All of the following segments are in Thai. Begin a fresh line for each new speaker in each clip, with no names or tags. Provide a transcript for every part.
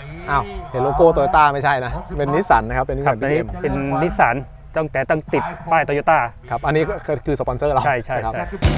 อ้าวเห็นโลโก้โตโยต้าไม่ใช่นะเป็นนิสสันนะครับเป็นนิสสัน BM
เป็นนิสสันต้องติดป้ายโตโยต้า
ครับอันนี้ก็คือสปอนเซอร์เรา
ใช่
ครับ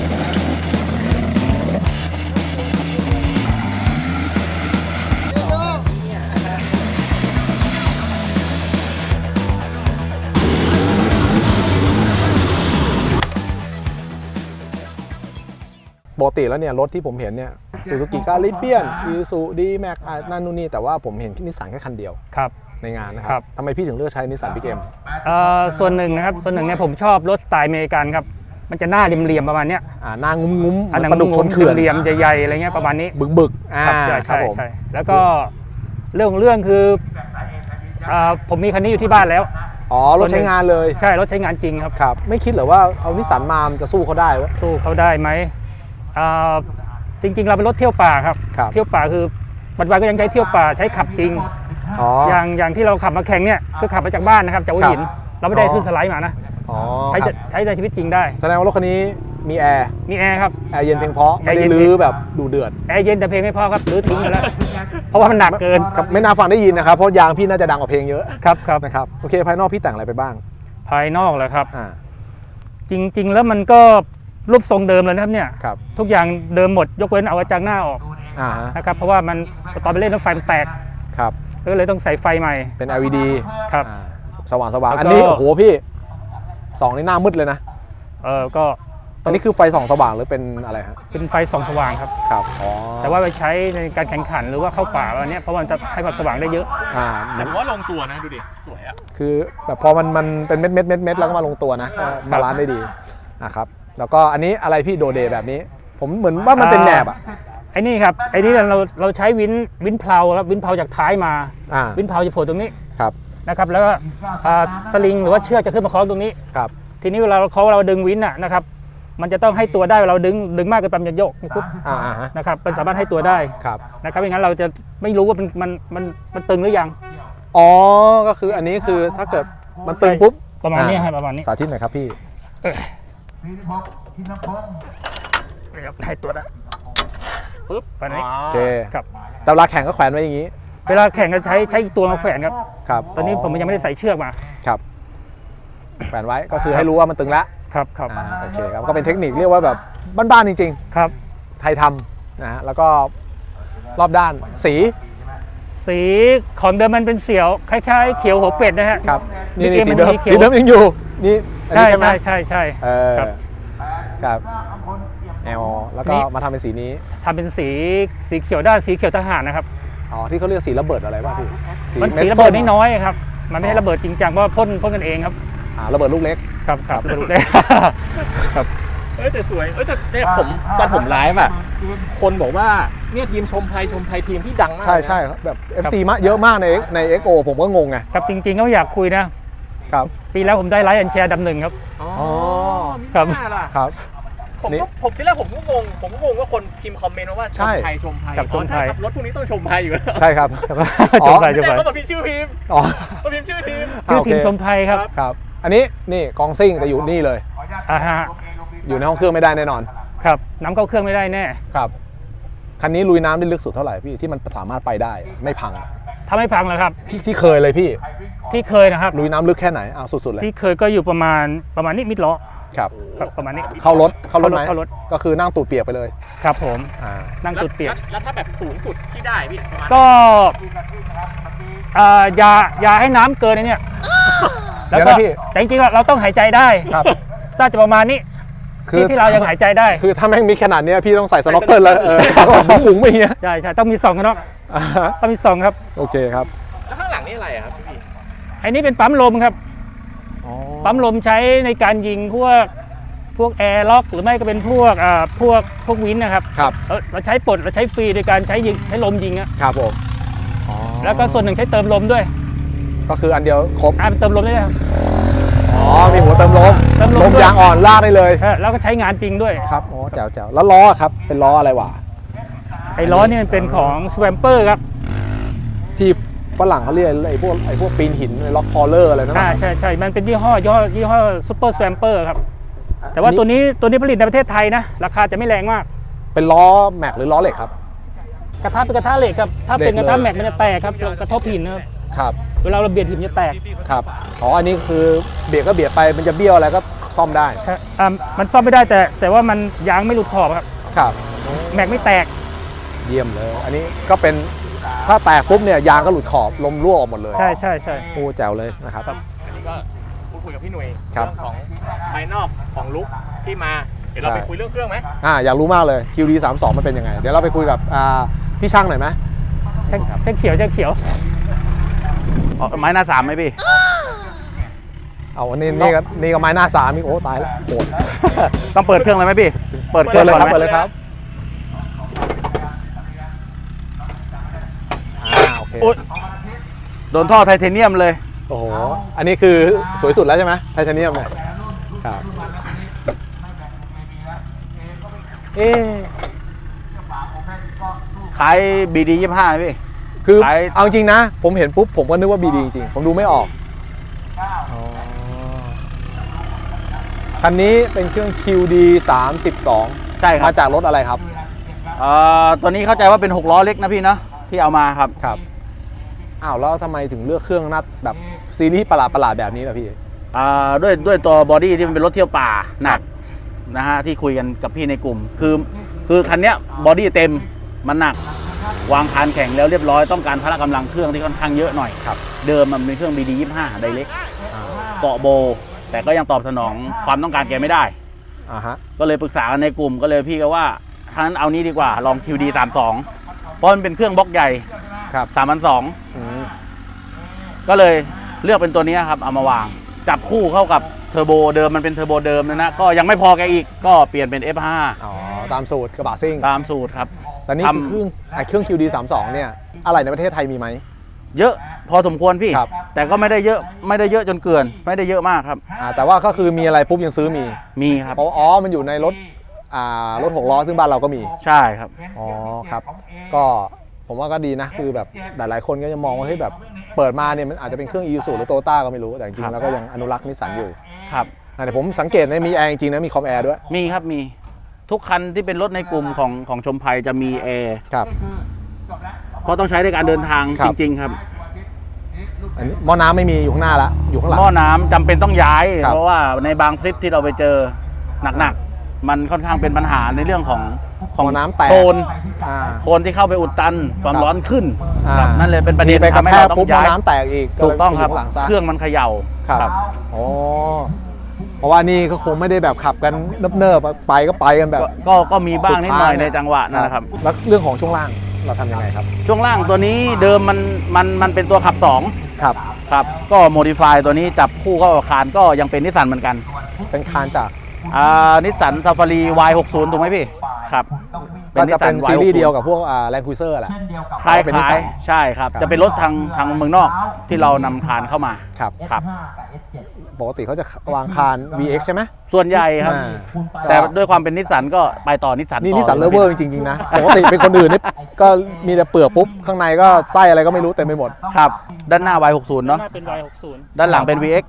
ปกติแล้วเนี่ยรถที่ผมเห็นเนี่ยซูซูกิกาลิเปียนอีซูดีแม็กนั่นนู่นนี่แต่ว่าผมเห็นนิสสันแค่คันเดียว
ครับ
ในงานนะครับทำไมพี่ถึงเลือกใช้นิสสันบิ๊กเอ็ม
ส่วนหนึ่งนะครับส่วนหนึ่งเนี่ยผมชอบรถสไตล์อเมริกันครับมันจะหน้าเรียมๆประมาณเนี้ย
หน้างุ้มๆปลาดุกชนเขื่อน
เรียมใหญ่ๆอะไรเงี้ยประมาณนี้
บึก
ใช่แล้วก็เรื่องคือผมมีคันนี้อยู่ที่บ้านแล้ว
อ๋อรถใช้งานเลย
ใช่รถใช้งานจริงครับ
ครับไม่คิดเหรอว่าเอานิสสันมาจะสู้เขาได้วะ
สู้เขาได้ไหมจริงๆเราเป็นรถเที่ยวป่าครับเที่ยวป่าคือปัจจุบันก็ยังใช้เที่ยวป่าใช้ขับจริงอย่างที่เราขับมาแข่งเนี่ยคือขับมาจากบ้านนะครับจากหัวหินเราไม่ได้ขึ้นสไลด์มานะใช้ในชีวิตจริงได้
แสดงว่ารถคันนี้มีแอร์
ครับ
แอร์เย็นเพียงพอไม่ได้ลื้อแบบดูเดือด
แอร์เย็นแต่เพลงไม่พอครับลื้อทิ้งไปแล้วเพราะว่ามันหนักเกิน
ครับไม่น่าฟังได้ยินนะครับเพราะยางพี่น่าจะดังกว่าเพลงเยอะ
ครับ
นะครับโอเคภายนอกพี่แต่งอะไรไปบ้าง
ภายนอกเลยครับจริงๆแล้วมันก็รูปทรงเดิมเลยนะครับเนี่ยทุกอย่างเดิมหมดยกเว้นเอากระจังหน้าออกนะครับเพราะว่ามันตอนไปเล่นรถไฟมันแตกก็เลยต้องใส่ไฟใหม่
เป็น LED
ครับ
สว่างอันนี้โอ้โหพี่สองนี่หน้ามืดเลยนะ
ก็
อันนี้คือไฟส่องสว่างหรือเป็นอะไรฮะ
เป็นไฟส่องสว่างครับแต่ว่าไปใช้ในการแข่งขันหรือว่าเข้าป่าอะไรเนี้ยเพราะมันจะให้ความสว่างได้เยอะ
แต่ผมว่าลงตัวนะดูดิสวยอะ
คือแบบพอมันเป็นเม็ดแล้วก็มาลงตัวนะบาลานซ์ได้ดีนะครับแล้วก็อันนี้อะไรพี่โดเดแบบนี้ผมเหมือนว่ามันเป็นแหนบอ่ะ
ไอ้นี่ครับไอ้นี่เราใช้วินเพลาครับวินเพลาจากท้ายมาวินเพลาจะโผล่ตรงนี้นะครับแล้วก็สลิงหรือว่าเชือกจะขึ้นมาคล้องตรงนี้ทีนี้เวลาเราดึงวินนะครับมันจะต้องให้ตัวได้เราดึงมากเกินไปมันจะโยกปุ๊บนะครับมันสามารถให้ตัวได้นะครับไม่งั้นเราจะไม่รู้ว่ามันตึงหรือยัง
อ๋อก็คืออันนี้คือถ้าเกิดมันตึงปุ๊บ
ประมาณนี้ประมาณนี้
สาธิตหน่อยครับพี่
ให้ตัวได้ปุ๊บไปนี้
โอเคครับแต่เวลาแข่งก็แขวนไว้อย่างนี้
เวลาแข่งก็ใช้อีกตัวมาแขวนครับตอนนี้ผมยังไม่ได้ใส่เชือกมา
ครับแขวนไว้ก็คือให้รู้ว่ามันตึงแล้ว
ครับ
โอเคครับก็เป็นเทคนิคเรียกว่าแบบบ้านๆจริง
ๆครับ
ไทยทำนะฮะแล้วก็รอบด้าน
สีของเดิมมันเป็นเสียวคล้ายๆเขียวหัวเป็ดนะฮะ
ครับนี่สีเดิมยังอยู่นี่
ใช่
ครับแอลแล้วก็มาทำเป็นสีนี้
ทำเป็นสีเขียวด้านสีเขียวทหารนะครับ
อ๋อที่เขาเรียกสีระเบิดอะไรบ้างพี่
มันสีระเบิดน้อยๆครับมันไม่ใช่ระเบิดจริงจังเพราะพ่นกันเองครับ
ระเบิดลูกเล็ก
ครับลูกเล็ก
ครับแต่สวยแต่ผมตอนผมไลฟ์อ่ะคนบอกว่าเนี่ยทีมชมไทยทีมที่ดังมาก
ใช่แบบ FC มาเยอะมากใน XO ผมก็งงไง
ครับจริงๆก็อยากคุยนะครับปีแล้วผมได้ไลฟ์แอนแชร์1ครับ
อ๋อ
ครับ
ผมที่แรกผมก็งงว่าคนพิมพ์คอมเมนต์ว่าชมไทย
กับชมไทย
รถพวกนี้ต้องชมไทยอยู่แล้ว
ใช่ครับ
ชมไทย
ก็มาพิมพ์ชื่อทีมก็พิมพ์ชื่อ
ทีมชมไทย
ครับอันนี้นี่กองซิ่งแต่อยู่นี่เลยอยู่ในห้องเครื่องไม่ได้แน่นอน
ครับน้ำเข้าเครื่องไม่ได้แน่
ครับคันนี้ลุยน้ำได้ลึกสุดเท่าไหร่พี่ที่มันสามารถไปได้ไม่พัง
ถ้าไม่พังเหรอครับ
ที่เคยเลยพี่
ที่เคยนะครับ
ลุยน้ำลึกแค่ไหนเอาสุดๆเลย
ที่เคยก็อยู่ประมาณนี้มิดล้อ
ครับ
ประมาณนี้
เข้ารถไหมก็คือนั่งตูดเปียกไปเลย
ครับผมนั่งตูดเปียก
แล้วถ้าแบบสูงสุดที่ได้พี่
ก็อย่าให้น้ำเกินเนี่ยแล้วก็แต่จริงๆเราต้องหายใจได้
ครับ
น่าจะประมาณนี้ที่เรายังหายใจได้
คือถ้าแม่งมีขนาดนี้พี่ต้องใส่สน็อกเกิลแล้วบุ๋งไม่เงี้ย
ใช่ต้องมี2กันเนาะต้องมี2ครับ
โอเคครับ
แล้วข้างหลังนี่อะไรครับพี่
ไอ้นี่เป็นปั๊มลมครับปั๊มลมใช้ในการยิงพวกแอร์ล็อกหรือไม่ก็เป็นพวกวินนะครับเราใช้เราใช้ฟรีโดยการใช้ลมยิง
ครับผม
แล้วก็ส่วนหนึ่งใช้เติมลมด้วย
ก็คืออันเดียวครบ
เติมลมได้ครับ
มีหัวเติมลมยางอ่อนลากได้เลย
แล้วก็ใช้งานจริงด้วย
ครับอ๋อแจ๋วแล้วล้อครับเป็นล้ออะไรวะ
ไอ้ล้อนี่มันเป็นของ Swamper ครับ
ที่ฝรั่งเขาเรียกไอ้พวกปีนหินล็อกคอลเลอร์อะไรนั่น
ใช่มันเป็นยี่ห้อ Super Swamper ครับแต่ว่าตัวนี้ผลิตในประเทศไทยนะราคาจะไม่แรงมาก
เป็นล้อแม็กหรือล้อเหล็กครับ
กระทะเป็นกระทะเหล็กครับถ้าเป็นกระทะแม็กมันจะแตกครับกระทบหินนะครับ
ครับ
เวลาเราเบียดหินมันจะแตก
ครับอ๋ออันนี้คือเบียดก็เบียดไปมันจะเบี้ยวอะไรก็ซ่อมได้
ใช่มันซ่อมไม่ได้แต่ว่ามันยางไม่หลุดขอบครับ
ครับ
แม็กไม่แตก
เยี่ยมเลย อันนี้ก็เป็นถ้าแตกปุ๊บเนี่ยยางก็หลุดขอบลมรั่วออกหมดเลย
ใช่ใช่ใช่
โอ้แจ๋วเลยนะครับ
อันนี้ก็พูดคุยกับพี่หนุ่ย
ครับ
เรื่องของภายนอกของลุคที่มาเดี๋ยวเรา
ใช่
ไปคุยเรื่องเครื่องไหม
อยากรู้มากเลย QD 32มันเป็นยังไง เดี๋ยวเราไปคุยกับพี่ช่างหน่อยไหม
แช่เขียวแช่เขียว
ไม้หน้าสามไหมพี่
เอาอันนี้นี่ก็ไม้หน้าสามอีกโอ้ตายแล้วโหด
ต้องเปิดเครื่องเลยไหมพี่ เปิดเค
เปิ
รื่
ด
อง
เลย
ก่อน
ครับ
ไหม
เปิดเลยครับโอเค
โอ๊ยโดนท่อไทเทเนียมเลย
โอ้โหอันนี้คือสวยสุดแล้วใช่ไหมไทเทเนียมเนี่ยครับเอ๊ะ
ขาย BD 25ไหมพี่
คือ
ขาย
เอาจริงนะ ผมเห็นปุ๊บผมก็นึกว่า BD จริงๆผมดูไม่ออกคันนี้เป็นเครื่อง QD 32
ใช่ครับ
มาจากรถอะไรครับ
ตัวนี้เข้าใจว่าเป็น6ล้อเล็กนะพี่เนาะที่เอามาครับ
ครับอ้าวแล้วทำไมถึงเลือกเครื่องนัดแบบซีรีส์ประหลาดๆแบบนี้ล่ะพี่
ด้วยตัวบอดี้ที่มันเป็นรถเที่ยวป่าหนักนะฮะที่คุยกันกับพี่ในกลุ่ม คือคันเนี้ยบอดี้เต็มมันหนัก วางคานแข็งแล้วเรียบร้อยต้องการพละกำลังเครื่องที่ค่อนข้างเยอะหน่อย
ครับ
เดิมมันเป็นเครื่อง BD 25ไดเล็กเกาะโบ แต่ก็ยังตอบสนองความต้องการแกไม่ได้
ฮะ
ก็เลยปรึกษากันในกลุ่มก็เลยพี่ก็ว่าถ้างั้นเอานี้ดีกว่าลอง QD 32เพราะมันเป็นเครื่องบล็อกใหญ่
ครับ
3,200
อืม
ก็เลยเลือกเป็นตัวนี้ครับเอามาวาง จับคู่เข้ากับเทอร์โบเดิมมันเป็นเทอร์โบเดิมนะก็ยังไม่พอแกอีกก็เปลี่ยนเป็น F5
อ๋อตามสูตรกระบะซิ่ง
ตามสูตรครับ
แต่นี่คือเครื่อง QD 32เนี่ยอะไรในประเทศไทยมีไหม
เยอะพอสมควรพี่
ครับ
แต่ก็ไม่ได้เยอะจนเกิน ไม่ได้เยอะมากครับ
แต่ว่าก็คือมีอะไรปุ๊บยังซื้อมี
มีครับ
เพราะมันอยู่ในรถรถ6ล้อซึ่งบ้านเราก็มี
ใช่ครับ
อ๋อครับ ก็ผมว่าก็ดีนะ คือแบบหลายๆคนก็จะมองว่าเฮ้ยแบบเปิดมาเนี่ยมันอาจจะเป็นเครื่อง Isuzu หรือ Toyota ก็ไม่รู้ แต่จริงๆแล้วก็ยังอนุรักษ์นิสสันอยู่
ครับ
แต่ผมสังเกตนะมีแอร์จริงๆนะมีคอมแอร์ด้วย
มีครับมีทุกคันที่เป็นรถในกลุ่มของชมภัยจะมีแอร์
ครับ
เพราะต้องใช้ในการเดินทาง
ครั
จ
บ
ริงๆครับ
อันนี้หม้อน้ำไม่มีอยู่ข้างหน้าละอยู่ข้างหลัง
หม้อน้ำจำเป็นต้องย้าย
ครับ
เพราะว่าในบางทริปที่เราไปเจอหนักๆมันค่อนข้างเป็นปัญหาในเรื่องของ
หม้อน้ำแตก
โคลน
อ่า
โคลนที่เข้าไปอุดตันความ
ครับ
ร้อนขึ้น
อ่า
ครับนั่นเลยเป็นประเด็น
ไปกระ
ทำให้
แทก
เราต้อ
ปุ๊บ
ง
หม้อ
ย้าย
น้ำแตกอีก
ถูกต้องครับ
ยู่ข้างหลังซะ
เครื่องมันเขย่า
ครับอ๋อเพราะว่านี่ก็คงไม่ได้แบบขับกันเนิบๆไปก็ไปกันแบบ
ก็มีบ้างนิดหน่อยในจังหวะนั่นแหละครับ
แล้วเรื่องของช่วงล่างเราทำยังไงครับ
ช่วงล่างตัวนี้เดิมมันเป็นตัวขับ2
ครับ
ครับก็โมดิฟายตัวนี้จับคู่เข้ากับคานก็ยังเป็นนิสสันเหมือนกัน
เป็นคานจาก
นิสสันซาฟารี Y60 ถูกไหมพี่ครับ
ก็จะเป็น
Nissan
ซีรีส์
Y60
เดียวกับพวกแลนด์ครูเซอร์แหละ
คล้าย
เป็นนิสสัน
ใช่ครับ
ครับ
จะเป็นรถทางเมืองนอกที่เรานำคานเข้ามา
ครับ
ครับ
ปกติเขาจะวางคาน VX ใช่ไหม
ส่วนใหญ่ครับ
อ่า
แต่ด้วยความเป็นนิสสันก็ไปต่อนิสสัน
นี่นิสสันเลเวอร์จริงๆนะปกติเป็นคนอื่นนี่ก็มีแต่เปลือกปุ๊บ ข้างในก็ไส้อะไรก็ไม่รู้เต็มไปหมด
ครับ ด้านหน้า Y60 เนาะ
หน้าเป็น Y60
ด้านหลังเป็น VX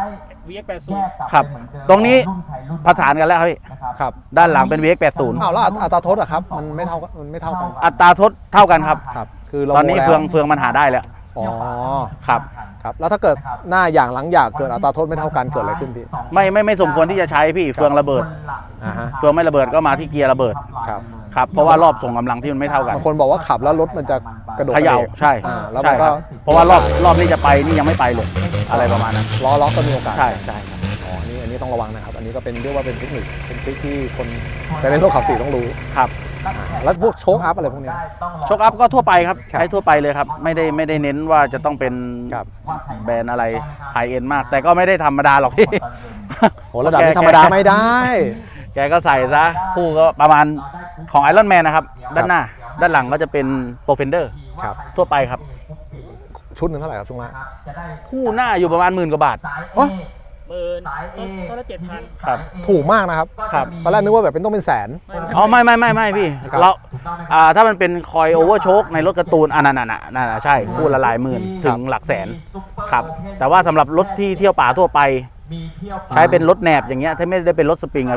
VX80
ครับ ตรงนี้ผสานกันแล้วครับพี่
ครับ
ด้านหลังเป็น VX80
อ้าวแล้วอัตราโทษอะครับ มันไม่เท่ากัน
อัตราทดเท่ากันครับ
ครับ คือเรา
ตอนนี้
โมแล้ว
เฟืองมันหาได้แล้ว
อ๋อ
ครับ
ครับ แล้วถ้าเกิดหน้าอย่างหลังอย่างเกิดอัตราโทษไม่เท่ากันเกิดอะไรขึ้นพี่
ไม่สมควรที่จะใช้พี่เฟืองระเบิด
ฮะ
เฟืองไม่ระเบิดก็มาที่เกียร์ระเบิด
ครับ
ครับเพราะว่ารอบส่งกำลังที่มันไม่เท่ากัน
บางคนบอกว่าขับแล้วรถมันจะกระโดด
เขย่าก
ระเดก
ใช่
แล้ว
ใช่
มัน
ค
ก็
รับเพราะว่ารอบนี้จะไปนี่ยังไม่ไปเลยอะไรประมาณนั้น
ล้อล็อกก็มีโอกาส
ใช่ใช่ครับ
อ๋ออันนี้ต้องระวังนะครับ อันนี้ก็เป็นเรียกว่าเป็นเทคนิคเป็นทริคที่คนแต่ในโลกขับสี่ต้องรู้
ครับ
แล้วพวกโชคอัพอะไรพวกเนี้ย
โชคอัพก็ทั่วไปครับ
ครับ
ใช้ทั่วไปเลยครับไม่ได้เน้นว่าจะต้องเป็น
ครับ
แบรนด์อะไรไฮเอ็นมาก แต่ก็ไม่ได้ธรรมดาหรอกพี่
โหระดับนี้ธรรมดาไม่ได้
แกก็ใส่ซะคู่ก็ประมาณของไอรอนแมนนะครับด้านหน้าด้านหลังก็จะเป็นโปรเฟนเดอร์
ครับ
ทั่วไปครับ
ชุดหนึ่งเท่าไหร่ครับช่วงล่าง
คู่หน้าอยู่ประมาณ10,000 กว่าบาท
อ๋อ
ต้นละ7,000
ครับ
ถูกมากนะครับ
ครับ
ตอนแรกนึกว่าแบบเป็นต้องเป็นแสน
อ๋อไม่พี่
ครับ
เราถ้ามันเป็นคอยโอเวอร์โชคในรถการ์ตูนนั่นใช่คู่ละหลายหมื่นถึงหลักแสนครับแต่ว่าสำหรับรถที่เที่ยวป่าทั่วไป ใช้เป็นรถแหนบอย่างเงี้ยถ้าไม่ได้เป็นรถสปริงอะพี่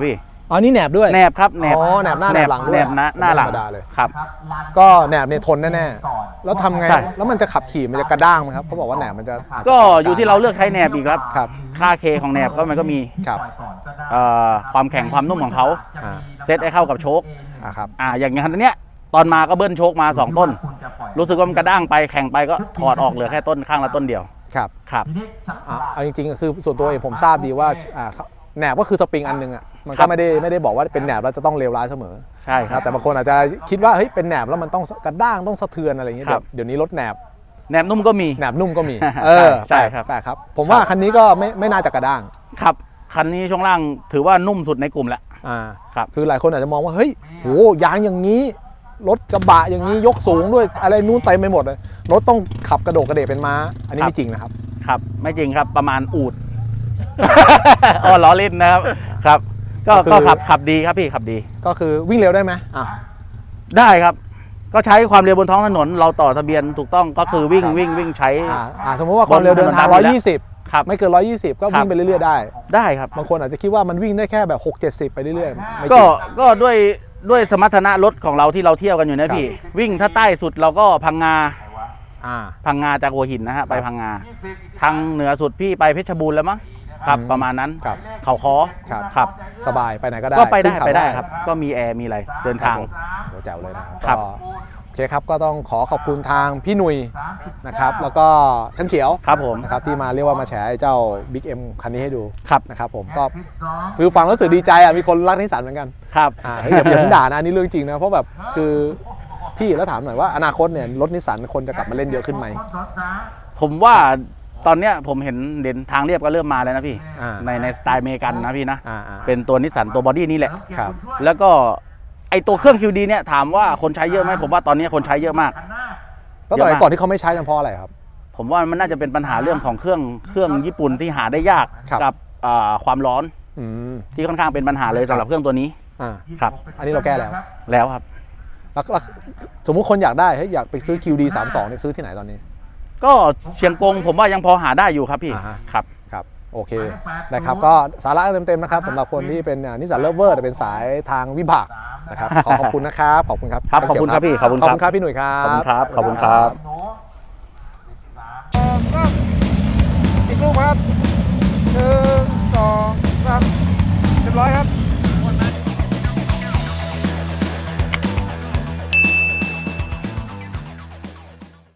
อ๋อนี่แหนบด้วย
แหนบครับแหนบ
อ๋อแหนบหน้าแหนบหลังด้วย
แหนบหน้าหลัง
ธรรมดาเลย
ครับ
ก็แหนบเนี่ยทนแน่ๆแล้วทำไง
ใช่
แล้วมันจะขับขี่มันจะกระด้างไหมครับเขาบอกว่าแหนบมันจะาจจะ
ก็อยู่ที่เราเลือกใช้แหนบอีกครับ
ครับ
ค่าเคของแหนบก็มันก็มี
ครับ
ความแข็งความนุ่มของเขา
อ่า
เซตให้เข้ากับโชค
ครับ
อย่างคันเนี้ยตอนมาก็เบิ้ลโชคมา2ต้น รู้สึกว่ามันกระด้างไปแข่งไปก็ถอดออกเหลือแค่ต้นข้างละต้นเดียว
ครับ
ครับ
เอาจริงๆก็คือส่วนตัวเองผมทราบดีว่าแหนบก็คือสปริงอันนึงอ่ะมัน
ครั
ก็
บ
ไม่ได้บอกว่าเป็นแหนบแล้วจะต้องเลวร้ายเสมอ
ใช่ครับ
แต่บางคนอาจจะคิดว่าเฮ้ยเป็นแหนบแล้วมันต้องกระด้างต้องสะเทือนอะไรอย่างเงี้ย
ครับ
เดี๋ยวนี้รถแหนบ
แหนบนุ่มก็มี
แหนบนุ่มก็มี
ใช่ครับ
แปลกครับ ผมว่าคันนี้ก็ไม่น่าจะกระด้าง
ครับคันนี้ช่วงล่างถือว่านุ่มสุดในกลุ่มแล้ว ครับ
คือหลายคนอาจจะมองว่าเฮ้ยโหยางอย่างนี้รถกระบะอย่างนี้ยกสูงด้วยอะไรนู้นเต็มไปหมดเลยรถต้องขับกระโดดกระเดกเป็นม้า อันนี้ไม่จริงนะครับ
ครับไม่จริงครับประมาณอูด อ๋อล้อเล่นนะครับครับก็
ก็คือ
ก็ขับดีครับพี่ขับดี
ก็คือวิ่งเร็วได้ไหมอ่ะ
ได้ครับ ก็ใช้ความเร็วบนท้องถนนเราต่อทะเบียนถูกต้องก็คือวิ่ง
ครับ
วิ่งใช้
สมมติว่าความเร็วเดินทาง
บนถนนตามอยู่แล้ว
120
ครับ
ไม่เกิน 120 ก็
ครั
วิ่
บ
งไปเรื่อยๆได้
ได้ครับ
บางคนอาจจะคิดว่ามันวิ่งได้แค่แบบ6-70 ไปเรื่อยๆไม่จ
ก็
ริง
ก็ด้วยสมรรถนะรถของเราที่เราเที่ยวกันอยู่นะครับ พี่วิ่งถ้าใต้สุดเราก็พังงา
อ่า
พังงาจากหัวหินนะฮะไปพังงาทางเหนือสุดพี่ไปเพชรบูรณ์แล้วมั้งครับประมาณนั้น
ครับ
เขาคอ
ครับ
ครับ
สบายไปไหนก็ได้
ก็ไปได้
ขึ้นเขา
ไปได้ครับ ก็มีแอร์มีอะไรเดินทาง
โหแจ๋วเลยนะ
ครั
ก็
บ
โอเคครับก็ต้องขอบคุณทางพี่หนุ่ยนะครับแล้วก็ช่างเขียว
ครับผม
นะครับที่มาเรียกว่ามาแฉไอ้เจ้า Big M คันนี้ให้ดู
ครับ
นะครับผมก็ฟิลฟังแล้วรู้สึกดีใจอ่ะมีคนรักนิสสันเหมือนกัน
ครับ
เฮ้ยอย่าเพิ่งด่านะอันนี่เรื่องจริงนะเพราะแบบคือพี่แล้วถามหน่อยว่าอนาคตเนี่ยรถนิสสันคนจะกลับมาเล่นเยอะขึ้นไหม
ผมว่าตอนเนี้ยผมเห็นทางเรียบก็เริ่มมาแล้วนะพี่
อ่า
ในสไตล์อเมริกันนะพี่นะ
อ่า
เป็นตัวนิสสันตัวบอดี้นี่แหละ
ครับ
แล้วก็ไอตัวเครื่อง QD เนี่ยถามว่าคนใช้เยอะไหมผมว่าตอนนี้คนใช้เยอะมาก
แล้วตอนก่อนที่เขาไม่ใช้กันเพราะอะไรครับ
ผมว่ามันน่าจะเป็นปัญหาเรื่องของเครื่องญี่ปุ่นที่หาได้ยาก
ครับ
กับความร้อน
อืม
ที่ค่อนข้างเป็นปัญหาเลยสำหรับเครื่องตัวนี้
อ่า
ครับ
อันนี้เราแก้แล้ว
แล้วครับ
แล้วสมมุติคนอยากได้เฮ้ยอยากไปซื้อ QD 32เนี่ยซื้อที่ไหนตอนนี้
ก็เชียงกงผมว่ายังพอหาได้อยู่ครับพี่
อ่าฮะ
ครับ
ครับโอเคนะครับก็สาระเต็มๆนะครับสำหรับคนที่เป็นนิสสันเลิฟเวอร์แต่เป็นสายทางวิบากนะครับขอบคุณนะครับขอบคุณครับ
ครับขอบคุณครับพี่ขอบคุณ
ขอบ
ครับ
คุณครับพี่หนุ่ยครับ
ขอบคุณครับขอบคุณครับ
ก็